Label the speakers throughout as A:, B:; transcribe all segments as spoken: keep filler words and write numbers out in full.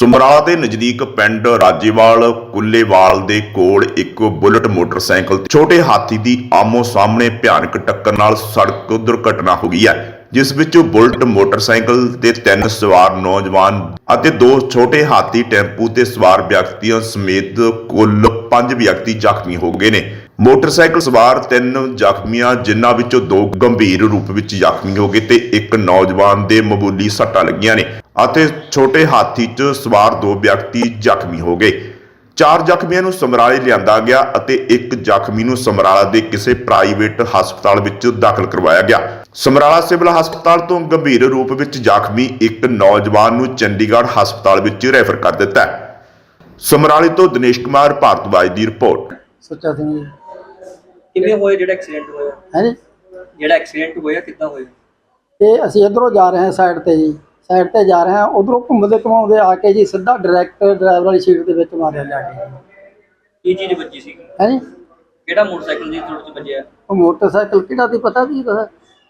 A: ਸਮਰਾਲਾ ਦੇ ਨਜ਼ਦੀਕ ਪਿੰਡ ਰਾਜੇਵਾਲ ਕੁੱਲੇਵਾਲ ਦੇ ਕੋਲ ਇੱਕ ਬੁਲਟ ਮੋਟਰਸਾਈਕਲ ਤੇ ਛੋਟੇ ਹਾਥੀ ਦੀ ਆਮੋ ਸਾਹਮਣੇ ਭਿਆਨਕ ਟੱਕਰ ਨਾਲ ਸੜਕ ਦੁਰਘਟਨਾ ਹੋ ਗਈ ਹੈ, ਜਿਸ ਵਿੱਚ ਬੁਲਟ ਮੋਟਰਸਾਈਕਲ ਤੇ ਤਿੰਨ ਸਵਾਰ ਨੌਜਵਾਨ ਅਤੇ ਦੋ ਛੋਟੇ ਹਾਥੀ ਟੈਂਪੂ ਤੇ ਸਵਾਰ ਵਿਅਕਤੀਆਂ ਸਮੇਤ ਕੁੱਲ ਪੰਜ ਵਿਅਕਤੀ ਜ਼ਖਮੀ ਹੋ ਗਏ ਨੇ। ਮੋਟਰਸਾਈਕਲ ਸਵਾਰ ਤਿੰਨ ਜ਼ਖਮੀਆਂ, ਜਿਨ੍ਹਾਂ ਵਿੱਚੋਂ ਦੋ ਗੰਭੀਰ ਰੂਪ ਵਿੱਚ ਜ਼ਖਮੀ ਹੋ ਗਏ ਤੇ ਇੱਕ ਨੌਜਵਾਨ ਦੇ ਮਾਮੂਲੀ ਸੱਟਾਂ ਲੱਗੀਆਂ ਨੇ ਅਤੇ ਛੋਟੇ ਹਾਥੀ 'ਚ ਸਵਾਰ ਦੋ ਵਿਅਕਤੀ ਜ਼ਖਮੀ ਹੋ ਗਏ। ਚਾਰ ਜ਼ਖਮੀਆਂ ਨੂੰ ਸਮਰਾਲੇ ਲਿਆਂਦਾ ਗਿਆ ਅਤੇ ਇੱਕ ਜ਼ਖਮੀ ਨੂੰ ਸਮਰਾਲਾ ਦੇ ਕਿਸੇ ਪ੍ਰਾਈਵੇਟ ਹਸਪਤਾਲ ਵਿੱਚ ਦਾਖਲ ਕਰਵਾਇਆ ਗਿਆ। ਸਮਰਾਲਾ ਸਿਵਲ ਹਸਪਤਾਲ ਤੋਂ ਗੰਭੀਰ ਰੂਪ ਵਿੱਚ ਜ਼ਖਮੀ ਇੱਕ ਨੌਜਵਾਨ ਨੂੰ ਚੰਡੀਗੜ੍ਹ ਹਸਪਤਾਲ ਵਿੱਚ ਰੈਫਰ ਕਰ ਦਿੱਤਾ ਹੈ। ਸਮਰਾਲੇ ਤੋਂ ਦਿਨੇਸ਼ ਕੁਮਾਰ ਭਾਰਤਵਾਜ ਦੀ ਰਿਪੋਰਟ।
B: ਸੁੱਚਾ ਸਿੰਘ ਜੀ।
C: ਕਿਵੇਂ ਹੋਇਆ ਜਿਹੜਾ ਐਕਸੀਡੈਂਟ ਹੋਇਆ?
B: ਹੈ ਜੀ,
C: ਜਿਹੜਾ ਐਕਸੀਡੈਂਟ ਹੋਇਆ ਕਿੱਦਾਂ ਹੋਇਆ?
B: ਇਹ ਅਸੀਂ ਇੱਧਰੋਂ ਜਾ ਰਹੇ ਹਾਂ ਸਾਈਡ ਤੇ ਜੀ, ਸਾਈਡ ਤੇ ਜਾ ਰਹੇ ਹਾਂ, ਉਧਰੋਂ ਘੁੰਮਦੇ ਘੁਮਾਉਂਦੇ ਆ ਕੇ ਜੀ ਸਿੱਧਾ ਡਾਇਰੈਕਟ ਡਰਾਈਵਰ ਵਾਲੀ ਸੀਟ ਦੇ ਵਿੱਚ ਮਾਰਿਆ ਜਾ ਕੇ।
C: ਕੀ ਚੀਜ਼ ਵੱਜੀ ਸੀ?
B: ਹੈ ਜੀ,
C: ਕਿਹੜਾ ਮੋਟਰਸਾਈਕਲ ਦੀ ਥੋੜੀ ਜਿਹੀ ਵੱਜਿਆ?
B: ਉਹ ਮੋਟਰਸਾਈਕਲ ਕਿਹੜਾ ਦੀ ਪਤਾ ਵੀ ਪਤਾ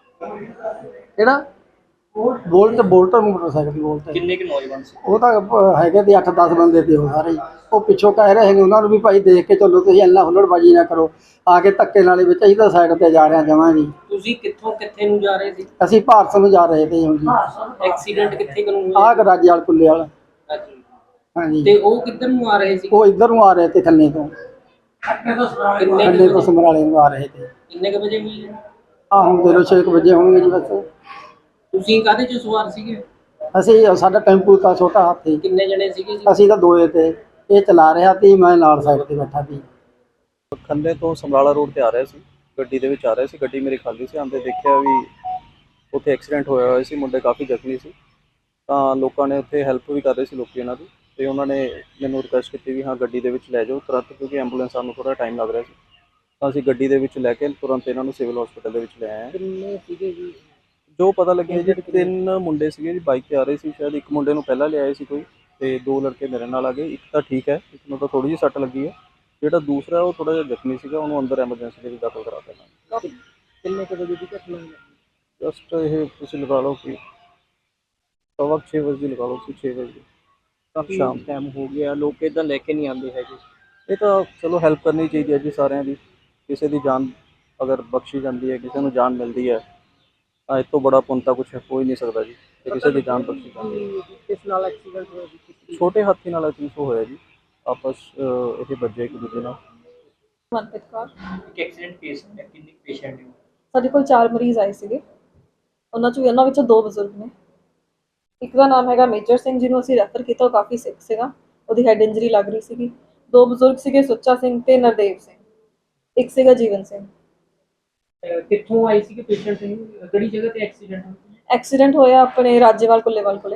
B: ਕਿਹੜਾ ਬੋਲਟ ਬੋਲਟ ਮੋਟਰਸਾਈਕਲ ਦੀ ਬੋਲਟ।
C: ਕਿੰਨੇ ਕਿ ਨੌਜਵਾਨ ਸੀ?
B: ਉਹ ਤਾਂ ਹੈਗੇ ਤੇ ਅੱਠ ਦਸ ਬੰਦੇ ਤੇ ਉਹ ਸਾਰੇ। ਉਹ ਪਿੱਛੋਂ ਕਹਿ ਰਹੇ ਨੇ ਉਹਨਾਂ ਨੂੰ ਵੀ ਭਾਈ ਦੇਖ ਕੇ ਚੱਲੋ, ਤੁਸੀਂ ਇੰਨਾ ਹੁੱਲੜਬਾਜੀ ਨਾ ਕਰੋ, ਆ ਕੇ ਧੱਕੇ ਨਾਲੇ ਵਿੱਚ ਅਸੀਂ ਤਾਂ ਸਾਈਡ ਤੇ ਜਾ ਰਹੇ ਹਾਂ ਜਮਾਂ ਜੀ।
C: ਤੁਸੀਂ ਕਿੱਥੋਂ ਕਿੱਥੇ ਨੂੰ ਜਾ ਰਹੇ ਸੀ?
B: ਅਸੀਂ ਭਾਰਤ ਨੂੰ ਜਾ ਰਹੇ ਤੇ ਜੀ।
C: ਐਕਸੀਡੈਂਟ ਕਿੱਥੇ ਕਰਨ ਹੋਇਆ?
B: ਆਹ ਰਾਜੇਵਾਲ ਕੁੱਲੇ ਵਾਲਾ।
C: ਅੱਛਾ।
B: ਹਾਂਜੀ,
C: ਤੇ ਉਹ ਕਿੱਧਰ ਨੂੰ ਆ ਰਹੇ ਸੀ?
B: ਉਹ ਇੱਧਰ ਨੂੰ ਆ ਰਹੇ ਤੇ ਥੱਲੇ ਤੋਂ
C: ਕਿੰਨੇ
B: ਥੱਲੇ
C: ਕੁ
B: ਤੋਂ ਸਮਰਾਲੇ ਨੂੰ ਆ ਰਹੇ ਤੇ।
C: ਕਿੰਨੇ ਕ ਵਜੇ ਹੋਈ?
B: ਆ ਹੁਣ ਦੇ ਲੋ ਛੇ ਕੁ ਵਜੇ ਹੋਣਗੇ ਜੀ ਬਸ।
C: ਤੁਸੀਂ ਕਾਹਦੇ ਚ ਸਵਾਰ ਸੀਗੇ?
B: ਅਸੀਂ ਸਾਡਾ ਟੈਂਪੂ ਤਾਂ ਛੋਟਾ ਹਾਥੀ,
C: ਕਿੰਨੇ ਜਣੇ ਸੀਗੇ ਜੀ?
B: ਅਸੀਂ ਤਾਂ ਦੋਏ ਤੇ, ਇਹ ਚਲਾ ਰਿਹਾ ਸੀ, ਮੈਂ ਨਾਲ ਸਾਈਡ ਤੇ ਬੈਠਾ ਸੀ।
D: ਖੰਨੇ ਤੋਂ ਸਮਰਾਲਾ ਰੋਡ ਤੇ ਆ ਰਿਹਾ ਸੀ, ਗੱਡੀ ਦੇ ਵਿੱਚ ਆ ਰਿਹਾ ਸੀ। ਗੱਡੀ ਮੇਰੀ ਖਾਲੀ ਸੀ। ਆਂਦੇ ਦੇਖਿਆ ਵੀ ਉੱਥੇ ਐਕਸੀਡੈਂਟ ਹੋਇਆ ਹੋਇਆ ਸੀ, ਮੁੰਡੇ ਕਾਫੀ ਜ਼ਖਮੀ ਸੀ। ਤਾਂ ਲੋਕਾਂ ਨੇ ਉੱਥੇ ਹੈਲਪ ਵੀ ਕਰ ਰਹੇ ਸੀ ਲੋਕੀ ਇਹਨਾਂ ਦੀ, ਤੇ ਉਹਨਾਂ ਨੇ ਮੈਨੂੰ ਰਿਕੁਐਸਟ ਕੀਤੀ ਵੀ ਹਾਂ ਗੱਡੀ ਦੇ ਵਿੱਚ ਲੈ ਜਾਓ ਤੁਰੰਤ, ਕਿਉਂਕਿ ਐਂਬੂਲੈਂਸ ਨੂੰ ਥੋੜਾ ਟਾਈਮ ਲੱਗ ਰਿਹਾ ਸੀ। ਤਾਂ ਅਸੀਂ ਗੱਡੀ ਦੇ ਵਿੱਚ ਲੈ ਕੇ ਤੁਰੰਤ ਇਹਨਾਂ ਨੂੰ ਸਿਵਲ ਹਸਪੀਟਲ ਦੇ ਵਿੱਚ ਲੈ ਆਏ।
C: ਕਿੰਨੇ ਸੀਗੇ ਜੀ?
D: ਜੋ ਪਤਾ ਲੱਗਿਆ ਜੀ ਤਿੰਨ ਮੁੰਡੇ ਸੀਗੇ ਜੀ, ਬਾਈਕ ਤੇ ਆ ਰਹੇ ਸੀ ਸ਼ਾਇਦ। ਇੱਕ ਮੁੰਡੇ ਨੂੰ ਪਹਿਲਾਂ ਲਿਆਏ ਸੀ ਕੋਈ, ਤੇ ਦੋ ਲੜਕੇ ਮੇਰੇ ਨਾਲ ਆ ਗਏ। ਇੱਕ ਤਾਂ ਠੀਕ ਹੈ, ਇੱਕ ਨੂੰ ਤਾਂ ਥੋੜੀ ਜਿਹੀ ਸੱਟ ਲੱਗੀ ਹੈ। ਜਿਹੜਾ ਦੂਸਰਾ ਉਹ ਥੋੜਾ ਜਿਹਾ ਜ਼ਖਮੀ ਸੀਗਾ, ਉਹਨੂੰ ਅੰਦਰ ਐਮਰਜੈਂਸੀ ਦੇ ਵਿੱਚ ਦਾਖਲ ਕਰਾ ਦਿੱਤਾ।
C: ਕਿੰਨੇ ਕੁ ਵਜੇ ਦੀ ਘਟਨਾ ਹੈ?
D: ਜਸਟ ਇਹ ਤੁਸੀਂ ਲਗਾ ਲਓ ਕਿ ਸਵਾ ਛੇ ਵਜੇ ਦੀ ਲਗਾ ਲਓ ਸੀ, ਛੇ ਵਜੇ
C: ਕਾਫੀ
D: ਸ਼ਾਮ।
C: ਟਾਈਮ ਹੋ ਗਿਆ, ਲੋਕ ਇੱਦਾਂ ਲੈ ਕੇ ਨਹੀਂ ਆਉਂਦੇ ਹੈਗੇ।
D: ਇਹ ਤਾਂ ਚਲੋ ਹੈਲਪ ਕਰਨੀ ਚਾਹੀਦੀ ਹੈ ਜੀ ਸਾਰਿਆਂ ਦੀ। ਕਿਸੇ ਦੀ ਜਾਨ ਅਗਰ ਬਖਸ਼ੀ ਜਾਂਦੀ ਹੈ, ਕਿਸੇ ਨੂੰ ਜਾਨ ਮਿਲਦੀ ਹੈ, ਤਾਂ ਇਸ ਤੋਂ ਬੜਾ ਪੁੰਨ ਤਾਂ ਕੁਛ ਹੋ ਹੀ ਨਹੀਂ ਸਕਦਾ ਜੀ। ਤੇ ਕਿਸੇ ਦੀ ਜਾਨ ਬਖਸ਼ੀ ਜਾਂਦੀ ਹੈ।
C: ਕਿਸ ਨਾਲ ਐਕਸੀਡੈਂਟ ਹੋਇਆ ਜੀ?
D: ਛੋਟੇ ਹਾਥੀ ਨਾਲ ਅਚੀਵ ਹੋਇਆ ਜੀ, ਆਪਸ ਇਹ ਵੱਜੇ ਇੱਕ ਦੂਜੇ ਨਾਲ।
E: ਮਨਪ੍ਰੀਤ ਕੌਰ।
C: ਇੱਕ ਐਕਸੀਡੈਂਟ ਕੇਸ ਹੈ, ਕਿੰਨੇ ਪੇਸ਼ੈਂਟ ਨੇ?
E: ਸਾਡੇ ਕੋਲ ਚਾਰ ਮਰੀਜ਼ ਆਏ ਸੀਗੇ, ਉਹਨਾਂ ਚੋਂ ਉਹਨਾਂ ਵਿੱਚੋਂ ਦੋ ਬਜ਼ੁਰਗ ਨੇ। ਇੱਕ ਦਾ ਨਾਮ ਹੈਗਾ ਮੇਜਰ ਸਿੰਘ, ਜਿਹਨੂੰ ਅਸੀਂ ਰੈਫਰ ਕੀਤਾ, ਉਹ ਕਾਫੀ ਸਿਕ ਸੀਗਾ, ਉਹਦੀ ਹੈਡ ਇੰਜਰੀ ਲੱਗ ਰਹੀ ਸੀਗੀ। ਦੋ ਬਜ਼ੁਰਗ ਸੀਗੇ ਸੁੱਚਾ ਸਿੰਘ ਤੇ ਨਰਦੇਵ ਸਿੰਘ, ਇੱਕ ਸੀਗਾ ਜੀਵਨ ਸਿੰਘ।
C: ਕਿੱਥੋਂ ਆਏ ਸੀ ਕਿ ਪੇਸ਼ੈਂਟ? ਕਿਹੜੀ ਜਗ੍ਹਾ ਤੇ ਐਕਸੀਡੈਂਟ ਹੋਇਆ?
E: ਐਕਸੀਡੈਂਟ ਹੋਇਆ ਆਪਣੇ ਰਾਜੇਵਾਲ ਕੁੱਲੇਵਾਲ ਕੋਲੇ।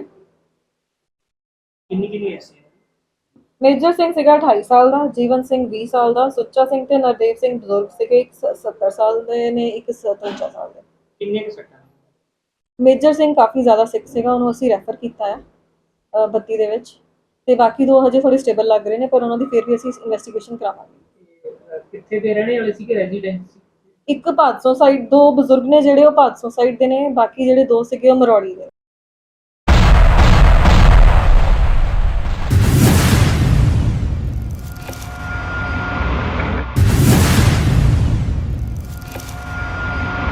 C: ਕਿੰਨੀ ਕਿੰਨੀ ਐਕਸੀਡੈਂਟ?
E: ਮੇਜਰ ਸਿੰਘ ਸੀਗਾ ਅਠਾਈ ਸਾਲ ਦਾ, ਜੀਵਨ ਸਿੰਘ ਵੀਹ ਸਾਲ ਦਾ, ਸੁੱਚਾ ਸਿੰਘ ਤੇ ਨਰਦੇਵ ਸਿੰਘ ਬਜ਼ੁਰਗ ਸੀਗੇ, ਇੱਕ ਸੱਤਰ ਸਾਲ ਦੇ ਨੇ, ਇੱਕ ਸਤਵੰਜਾ ਸਾਲ ਦੇ।
C: ਕਿੰਨੇ ਕੁ ਸੱਟਾਂ?
E: ਮੇਜਰ ਸਿੰਘ ਕਾਫੀ ਜ਼ਿਆਦਾ ਸਿਕ ਸੀਗਾ, ਉਹਨੂੰ ਅਸੀਂ ਰੈਫਰ ਕੀਤਾ ਹੈ ਬੱਤੀ ਦੇ ਵਿੱਚ, ਤੇ ਬਾਕੀ ਦੋ ਹਜੇ ਥੋੜੇ ਸਟੇਬਲ ਲੱਗ ਰਹੇ ਨੇ, ਪਰ ਉਹਨਾਂ ਦੀ ਫਿਰ ਵੀ ਅਸੀਂ ਇਨਵੈਸਟੀਗੇਸ਼ਨ ਕਰਾਵਾਂਗੇ।
C: ਕਿੱਥੇ ਦੇ ਰਹਿਣੇ ਵਾਲੇ ਸੀ ਕਿ ਰੈਜ਼ੀਡੈਂਸ?
E: ਇੱਕ ਭਾਦਸੋਂ ਸਾਈਡ, ਦੋ ਬਜ਼ੁਰਗ ਨੇ ਜਿਹੜੇ ਉਹ ਭਾਦਸੋਂ ਸਾਈਡ ਦੇ ਨੇ, ਬਾਕੀ ਜਿਹੜੇ ਦੋ ਸੀਗੇ ਉਹ ਮਰੌੜੀ ਦੇ।